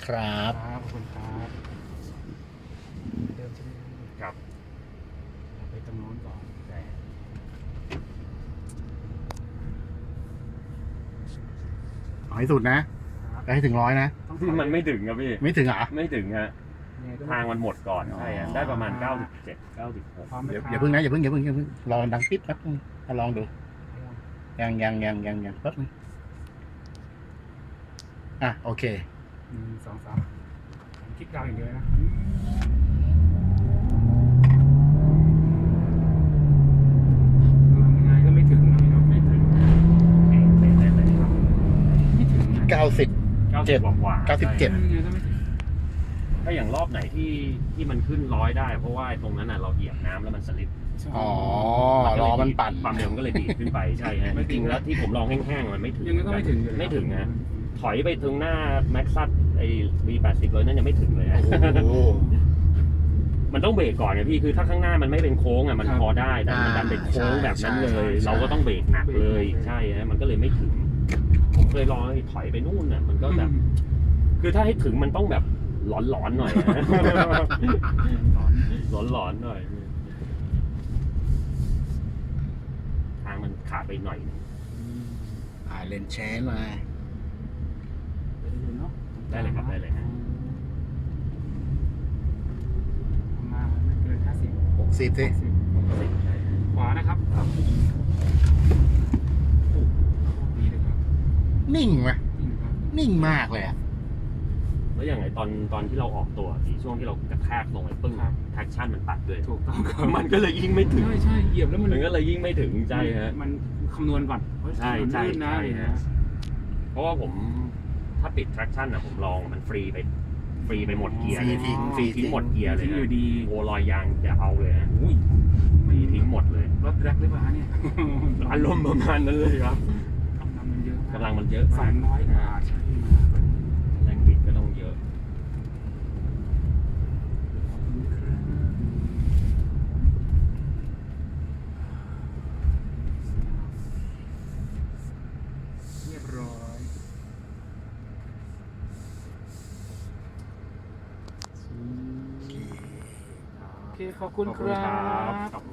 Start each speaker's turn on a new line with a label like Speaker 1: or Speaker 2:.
Speaker 1: ครับ
Speaker 2: ขอบคุณครับเดิมใช่ไหม
Speaker 3: ครับ
Speaker 2: เราไปตรงโน้นก่อน
Speaker 3: แต่
Speaker 1: เอาให้สุดนะไปให้ถึง100นะ
Speaker 2: ต้องถอย
Speaker 3: มันไม่ถึงครับพี่
Speaker 1: ไม่ถึงเหรอ
Speaker 3: ไม่ถึงฮะ
Speaker 2: ยังไงก็
Speaker 3: ทางมันหมดก่อน
Speaker 1: อ๋อ
Speaker 3: ใช่ฮะได้ประมาณ 97 96
Speaker 2: พร้อมไหม
Speaker 1: อย่า
Speaker 2: ครับ
Speaker 1: เพิ่งนะอย่าเพิ่งรอดังปิ๊บแป๊บนึงเอาลองดูยังแป๊บนึงโอเค
Speaker 2: 1 2 3คลิกดาวอย่างเดียวนะยังไงก็ไม่ถึงนะพี่น้อง
Speaker 3: ไม่ถึงเป๊ะเลยครับ
Speaker 2: ไม่ถึงนะ
Speaker 1: 90
Speaker 3: 90 กว่าๆ
Speaker 1: 97
Speaker 3: ใช่
Speaker 2: ยังไงก็ไม่ถึง
Speaker 3: ถ้าอย่างรอบไหนที่มันขึ้น100ได้ เพราะว่าตรงนั้นน่ะเราเหยียบน้ำแล้วมันสลิป
Speaker 1: อ๋อ
Speaker 3: ก็
Speaker 1: ร
Speaker 3: เลย
Speaker 1: อมันปั่น
Speaker 3: ความเร็วมันก็เลยดีดขึ้นไปใช่ฮะจริงๆแล้วที่ผมลองแห้งๆมันไม่ถึง
Speaker 2: ยังไงก็ไม่ถึงอยู่แล้ว
Speaker 3: ไม่ถึงนะถอยไปถึงหน้าแม็กซัสไอ้ V80 เลยนั่นยังไม่ถึงเลยฮะ
Speaker 1: โอ้โห
Speaker 3: มันต้องเบรกก่อนไงพี่คือถ้าข้างหน้ามันไม่เป็นโค้งอ่ะมัน
Speaker 2: ครับ
Speaker 3: พอได้แต่มันดันเป็นโค้งแบบนั้นเล
Speaker 1: ใช่
Speaker 3: ย
Speaker 1: ใช่
Speaker 3: เราก็ต้องเบรกหนักเลย
Speaker 2: เบรก
Speaker 3: ใช่ฮะมันก็เลยไม่ถึง ผมเคยลองให้ถอยไปนู่นน่ะมันก็แบบ คือถ้าให้ถึงมันต้องแบบหลอนๆหน่อยนะ หลอนๆหน่อยทางมันขาดไปหน่อยนึง
Speaker 1: เลนแชนมา
Speaker 3: ได้เลยครับได้เลยฮะ
Speaker 2: ประมาณไม่เกิน50
Speaker 1: 60สิ
Speaker 3: ใช่ฮะ
Speaker 2: ขวานะครับดีเลยครับ
Speaker 1: นิ่งไหม
Speaker 2: จริงครับ
Speaker 1: นิ่งมากเลยอะ
Speaker 3: แล้วอย่างไรตอนที่เราออกตัวที่ช่วงที่เรากระแทกลงไปปึ้งแท็กชั่นมันตัดด้วย
Speaker 2: ถูกต้องครับ
Speaker 3: มันก็เลยยิ่งไม่ถึง
Speaker 2: ใช่เหยียบแล้วมัน
Speaker 3: มันก็เลยยิ่งไม่ถึงใจฮะ
Speaker 2: มันคำนวณวัตต์
Speaker 3: ใช่ใช่
Speaker 2: ลื่นนะ
Speaker 3: ใช่
Speaker 2: อะไรอย่างเงี้
Speaker 3: ฮะ
Speaker 2: ย
Speaker 3: เพราะว่าผมถ้าปิด traction อ่ะผมลองมันฟรีไปหมดเกียร์
Speaker 1: ฟรี
Speaker 3: เลย
Speaker 1: ทิ้ง
Speaker 3: ฟรีทิ้งหมดเกียร์เลย
Speaker 2: ทิ้ง
Speaker 3: ฮะ
Speaker 2: อยู่ดี
Speaker 3: โอลอยยางจะเอาเลยฮะ
Speaker 2: อุ้ย
Speaker 3: ฟรีทิ้งหมดเลย
Speaker 2: รถแรกหรือเปล่าเนี่ย
Speaker 3: อารมณ์ประมาณนั้นเลยครับ
Speaker 2: กำลังมันเยอะ
Speaker 3: กำลังมันเยอะ
Speaker 2: 200 กว่าใช่ไหม
Speaker 3: แรงบิดก็ต้องเยอะ
Speaker 2: เรียบร้อยโอเคขอบคุณ
Speaker 3: ขอบ
Speaker 2: ค
Speaker 3: คุณ
Speaker 2: รั
Speaker 3: ครับ
Speaker 2: บ
Speaker 3: ขอบคุณ